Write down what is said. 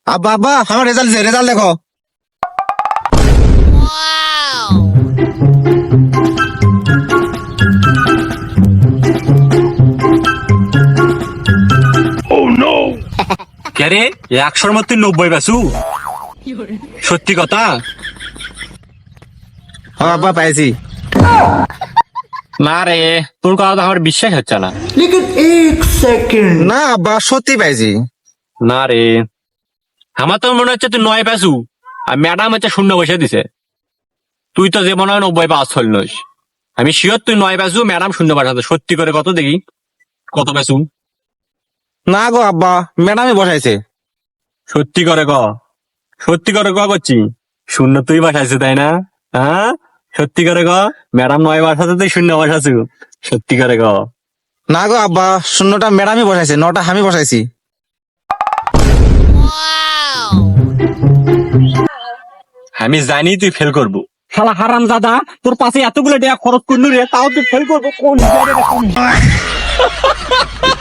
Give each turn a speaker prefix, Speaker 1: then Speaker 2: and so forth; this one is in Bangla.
Speaker 1: আব্বা আব্বা আমার রেজাল্ট দেখো।
Speaker 2: কে রে 100-র মধ্যে 90 পাসু? সত্যি কথা?
Speaker 1: হ্যাঁ আব্বা পাইছি।
Speaker 2: না রে, তোর কথা তো আমার বিশ্বাস হচ্ছে না।
Speaker 3: लेकिन एक सेकंड
Speaker 1: না আব্বা সত্যি পাইছি।
Speaker 2: না রে, আমার তো মনে হচ্ছে তুই 9 পাসু আর ম্যাডাম হচ্ছে 0 বসে দিছে। তুই তো যে মনে হয় 90 পাস হলনস। আমি শিওর তুই 9 পাসু, ম্যাডাম 0 পাঠাতে। সত্যি করে কত দেখি, কত পাসু?
Speaker 1: না গো আব্বা ম্যাডামই বসাইছে।
Speaker 2: সত্যি করে ক, সত্যি করে ক করছি। 0 তুই বসাইছে তাই না? হ্যাঁ সত্যি করে ক, ম্যাডাম 9 বসাতে তুই 0 বসাছু। সত্যি করে ক।
Speaker 1: না গো আব্বা 0টা ম্যাডামই বসাইছে, 9টা আমি বসাইছি।
Speaker 2: আমি জানি তুই ফেল করবো। শালা হারাম দাদা, তোর পাশে এতগুলো টাকা খরচ করলু রে, তাও তুই ফেল করবো কোন হিসাবে রে?